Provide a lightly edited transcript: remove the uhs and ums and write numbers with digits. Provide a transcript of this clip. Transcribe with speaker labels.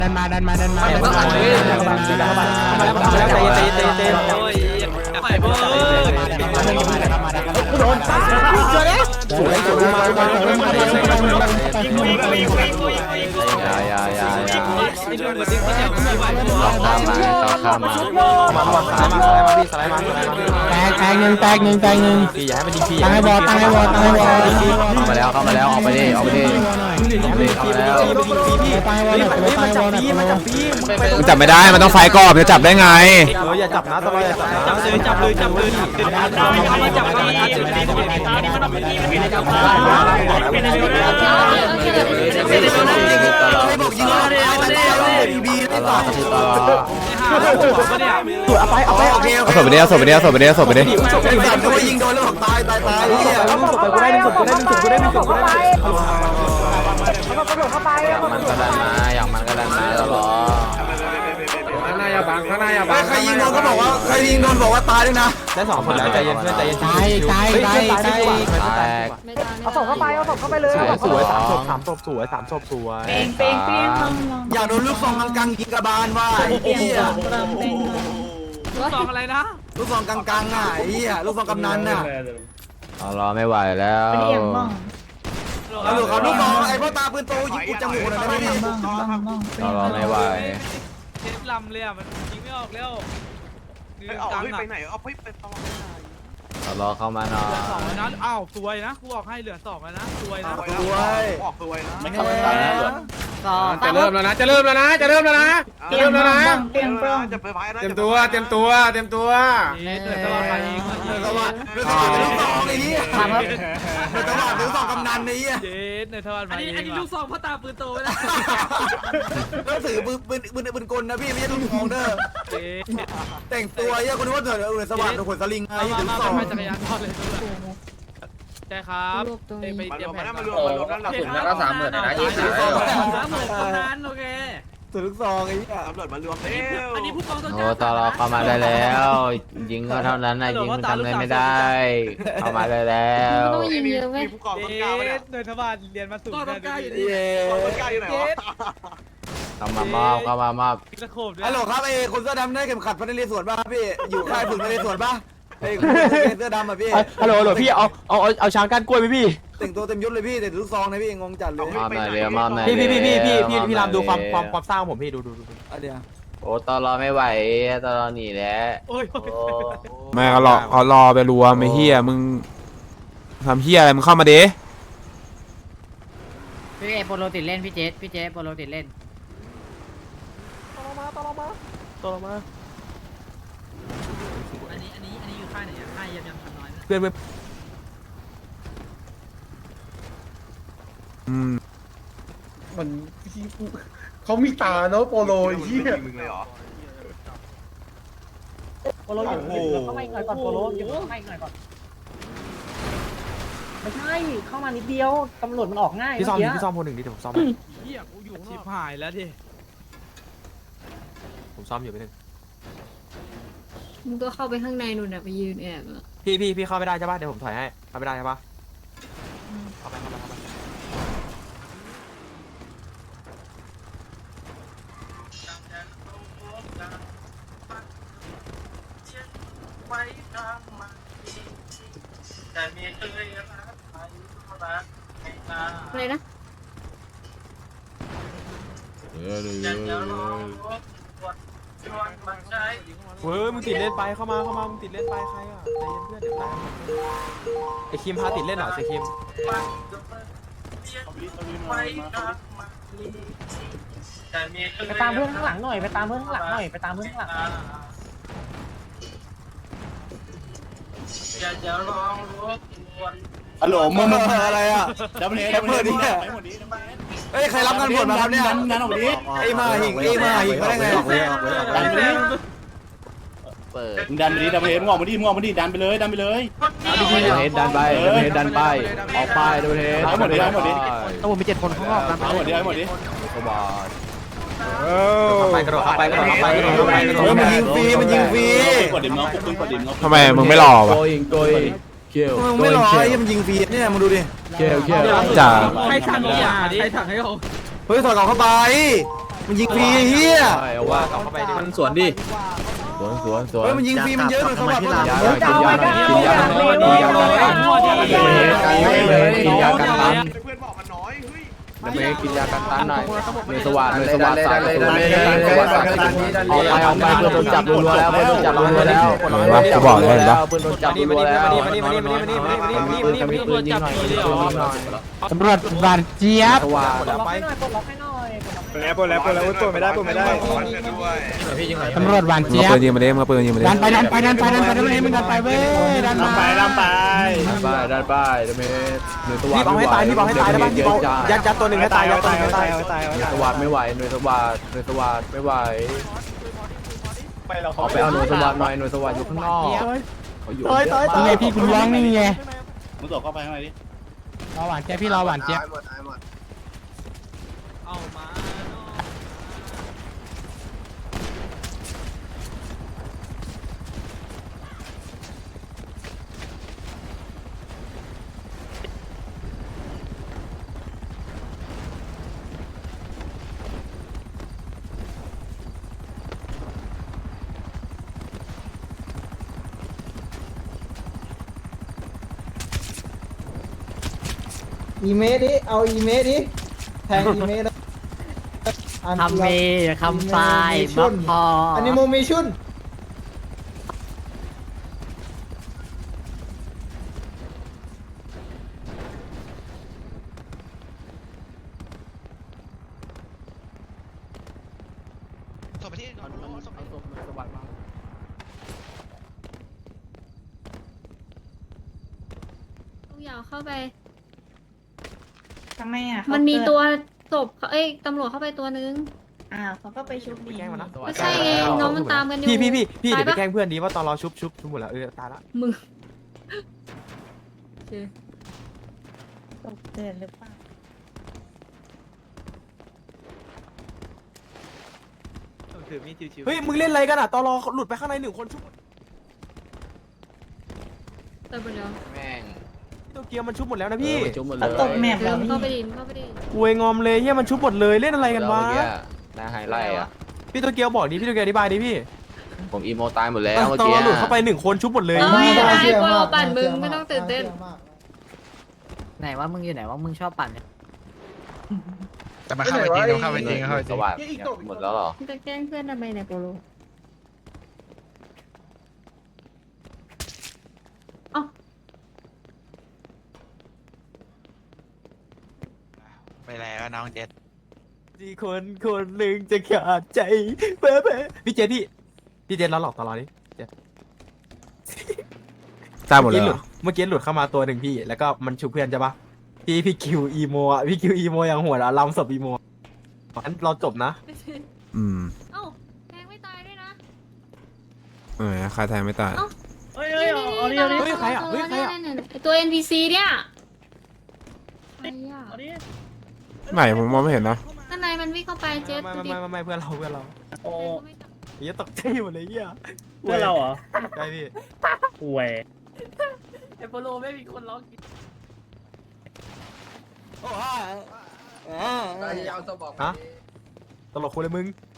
Speaker 1: ดันมาใจเย็นไปเพื่อนโดนเจอแล้วสวยข้ามมาแตกหนึ่งพี่อย่าให้มันยิงพี่ตั้งให้บอลเข้ามาแล้วออกไปดิมันจับไม่ได้มันต้องไฟก่อนจะจับได้ไงอย่าจับนะต้องจับเลยเอาศพไปดิยิงโดนแล้วตายกูได้หนึ่งศพอย่างมันก็ดันมาตลอดข้างหน้าอย่าบังใครยิงโดนก็บอกว่าใครยิงโดนบอกว่าตายด้วยนะได้2คนแล้วใจเย็นเพื่อนใจเย็นตายเอาศพเข้าไปเลยสวย3ศพสวยเป้งอย่าโดนลูกซองกังยิงกระบาลว่าไอ้เหี้ยลูกซองอะไรนะลูกซองกังอ่ะไอ้เหี้ยลูกซองกำนันน่ะรอไม่ไหวแล้วลูกซองไอ้พ่อตาปืนโตยิงกูจมูกเลยนะพี่รอไม่ไหวเจ็บลำเลยอ่ะมันยิงไม่ออกแล้วไปไหนเอาไปตองรอเข้ามาหน่อยอ้าวสวยนะกูออกให้เหลือ2แล้วนะสวยนะออกสวยนะไม่เข้าไปจะเริ่มแล้วนะเตรียมตัวเตรียมตัวเดือดตลอดไปเองเดือดตลอดลูกซองไอ้เหี้ยเดือดตลอดลูกซองกำนันไอ้เหี้ยเดือดตลอดไปอันนี้ลูกซองพ่อตาปืนโตไปแล้วต้องถือปืนกลนะพี่ไม่ใช่ลูกซองเด้อแต่งตัวเหี้ยคนนึกว่าเดือดสว่างขนสลิงไอ้ลูกซองจักรยานทอดเลยใช่ครับไปเตรียมแผนมารวมแล้วกระสุนก็30,000นะ30,000คนนั้นโอเคถือลูกซองไอ้เหี้ยตำรวจมารวมอันนี้ผู้กองโอ้ตลอดเข้ามาได้แล้วยิงก็เท่านั้นนะยิงมันทำอะไรไม่ได้เข้ามาได้แล้ว
Speaker 2: ต้องยิงเยอะไหม
Speaker 1: ผู้กองต้นกล้าเนี่ยโดยทบาทเรียนมาสูงต้นกล้าอยู่นี่ต้นกล้าอยู่ไหนวะเข้ามามอบฮัลโหลครับไอ้คนเสื้อดำได้เข็มขัดพันธุ์เรศวรป่ะพี่อยู่ค่ายฝึกนเรศวรป่ะไอ้เสื้อดำอ่ะพี่ฮัลโหลพี่เอาช้างก้านกล้วยไหมพี่แต่งตัวเต็มยศเลยพี่แต่ลูกซองนะพี่งงจัดเลยพี่รามดูความสร้างผมพี่ดูเดี๋ยวโอ้ตลอไม่ไหวตลอหนีแล้วไม่เขารอไปรวมไอ้เฮียมึงทำเฮียอะไรมึงเข้ามาดิ
Speaker 2: พี่โปโลติดเล่นพี่เจโปโลติดเล่น
Speaker 1: ตลอมาอันนี้อยู่ค่ายไหนค่ายยังทำน้อยเพื่อน
Speaker 3: มันเขามีตาเนาะโปโลยี่
Speaker 2: โปโลอยู่เข้ามาอีกหน่อยก่อนโปโลอยู่เข้ามาอีกหน่อยก่อนไม่ใช่เข้ามานิดเดียวตำรวจมันออกง่าย
Speaker 1: พี่ซ้อมคนหนึ่งดิเดี๋ยวผมซ้อมเฮียกูอยู่ชิบหายแล้วดิผมซ้อมอยู่ไปหนึ่ง
Speaker 2: มึงก็เข้าไปข้างในนู่นน่ะไปยืนแอบ
Speaker 1: พี่เข้าไม่ได้ใช่ป่ะเดี๋ยวผมถอยให้เข้าไม่ได้ใช่ป่ะเข้าไป
Speaker 2: อะไรนะ
Speaker 1: มึงติดเล่นไปเข้ามามึงติดเล่นไปใครอ่ะใจเย็นเพื่อนเดี๋ยวตายไอคิมพาติดเล่นหน่อยสิคิม
Speaker 2: ไปตามเพื่อนข้างหลังหน่อย
Speaker 3: ฮัลโหลมึง
Speaker 1: อะไรอ่ะ
Speaker 3: ดับเบิลเฮดดิ
Speaker 1: เฮ้ยใครรับงานบวชมาครับเนี่ย
Speaker 3: งานออกดิ
Speaker 1: ไอ้มาหิงมาได้ไง
Speaker 3: ดันไปดิดันไปดิดับเบิลเฮดมึงออกมาดิดันไปเลยดันไป
Speaker 1: ดันไปออกไปดูเทส
Speaker 3: หมดดิ
Speaker 1: ต้องมี7 คนข้างนอกนะ
Speaker 3: หมดดิ
Speaker 1: กระโดดเข้าไปมันยิงฟรี
Speaker 3: กดดิมน้องกดดิมน้อง
Speaker 1: ทำไมมึงไม่หล่อวะ
Speaker 3: มึง
Speaker 1: ไม่หล่อไอ้มันยิงฟรีเนี่ยมึงดูดิจ่าใครสั่งให้เขาเฮ้ยถอดกล่องเข้าไปมันยิงฟรีเฮีย
Speaker 4: เอาว่าเข้าไปดิมันสวนดิสวน
Speaker 1: เฮ้ยมันยิงฟรีมันเยอะหน่อยสวัสดิ์
Speaker 4: กินยากินยากินยากินยากันตันเพื่อนบอกมันน้อยเฮ้ยกินยากันตันหน่อยเลยสว่างเลยสว่างสายเอาไปเพื่อนโดนจับรัวแล้วเพื่อนโดนจับรัวแล้วจะบอกเลยปะเพื่อนโดนจับรัวแล้วตำรวจบานเจี๊ยบ
Speaker 2: ปลดล็อกให้หน่อยปลดล็อกให้หน่อย
Speaker 5: แล้วปวดไม่ได้
Speaker 4: ตำรวจบานเจี๊ยบ
Speaker 3: ปืนยิงมาเด้มาปืนยิงมาเด้
Speaker 4: ดันไปมึงดันไปเว้ยดันไป
Speaker 5: ลำไป
Speaker 4: ดันไปเดเมหน่วยสว่าง
Speaker 1: พี่บอกให้ตายพี่บอกให้ตายได้ป่ะพี่บอกยัดตัวหนึ่งให้ตายยัดตัวหนึ่งให้ตาย
Speaker 4: หน่วยสว่างไม่ไหวหน่วยสว่างไม่ไหวเอาไปเอาหน่วยสว่างหน่อยหน่วยสว่างอยู่ข้างนอกอยู่นี่ไงพี่คุณร้องนี่ไง
Speaker 5: มึงตกเข้าไปข้างในดิ
Speaker 4: รอหวานเจี๊ยบพี่รอหวานเจี๊ยบ
Speaker 1: เอามา
Speaker 2: อีเมดิเอาอีเมดิแทงอีเมด
Speaker 6: คำเมคำปลายบักพอ
Speaker 2: อันนี้โมเมชุน
Speaker 7: อย่าเข้าไป
Speaker 8: ทำไมอ่ะ
Speaker 7: มันมีตัวศพตำรวจเข้าไปตัวนึง
Speaker 8: อ้าวเขาก็ไปชุบดี
Speaker 7: ไม่ใช่ไงน้องมันตามกันอยู่
Speaker 1: พี่เดี๋ยวไป
Speaker 7: ตาย
Speaker 1: แกล้
Speaker 7: ปะ
Speaker 1: งเพื่อนดีว่าตอนเราชุบหมดแล้วตายละ
Speaker 7: มึง
Speaker 8: ตกเตือนหรือเปล่า
Speaker 1: เฮ้ยมึงเล่นอะไรกันอ่ะตอนเราหลุดไปข้างใน1 คนชุบ
Speaker 7: เติมไปแล้ว
Speaker 4: แม่ง
Speaker 1: ตัวเกียร์มันชุบหมดแล้วนะพี่
Speaker 4: จุ่มหมดเล
Speaker 8: เอา
Speaker 4: ย
Speaker 8: ตกแมป
Speaker 7: เติ
Speaker 8: แล้ว
Speaker 7: ม
Speaker 8: พี่
Speaker 7: เข้าไปดิเข้าไปดิ
Speaker 1: อวยงอมเลยเฮียมันชุบหมดเลยเล่นอะไรกันวะ
Speaker 4: นาไฮไลท์อ่ะ
Speaker 1: พี่ตัวเกียวบอกดิพี่ตัวเกียวอธิบายดิพี่
Speaker 4: ผมอีโมตายหมดแล้วเมื่อ
Speaker 1: ตอน
Speaker 4: กี้
Speaker 1: เราหลุดเข้าไป1 คนชุบหมดเลย
Speaker 7: เอ้ยไอ้โปรปั่นมึงไม่ต้องตื่นเต้น
Speaker 6: ไหนว่ามึงอยู่ไหนว่ามึงชอบปั่นเนี่ย
Speaker 3: แต่มาเข้าไปจริงเข้าไปจริง
Speaker 4: สว่างหมดแล้วหรอ
Speaker 7: มึงจะแกล้งเพื่อนทำไมเนี่ยโปรเอ้า
Speaker 5: ไปแล้วน้องเจ็ด
Speaker 1: ที่คนหนึ่งจะขาดใจเป๊ะพี่เจดพี่เจดเราหลอกตลอดดิเจด
Speaker 3: ตายหมดเลย
Speaker 1: เมื่อกี้หลุดเข้ามาตัวหนึ่งพี่แล้วก็มันชุบเพื่อนใช่ปะพี่คิวอีโมอ่ะพี่คิวอีโมอย่างหัวละลำศพอีโมงั้นเราจบนะ
Speaker 7: เอ้าแทงไม่ตายด้วยนะ
Speaker 3: ใครแทงไม่ตาย
Speaker 2: เฮ้ย
Speaker 7: นี่
Speaker 2: เอาดิ
Speaker 7: นี่
Speaker 2: เอาดิ
Speaker 1: ใครอ่ะเฮ้ยใครอ่ะ
Speaker 7: ไอ้ตัว NPC เนี่ยใครอ่ะ
Speaker 2: เอาดิ
Speaker 3: ไม่ผมมองไม่เห็นนะ
Speaker 7: ข้างในมันวิ่งเข้าไปเจ็ดดูดิ
Speaker 1: ไม่เพื่อนเรา
Speaker 2: โอ้
Speaker 1: เฮียตกใจหมดเลยเฮีย
Speaker 2: เพื่อนเราเหรอ
Speaker 1: ใช่พี่
Speaker 2: ป่วย
Speaker 6: ไอโปโลไม่มีคนร้องกิน
Speaker 1: ฮะตลกคนเลยมึง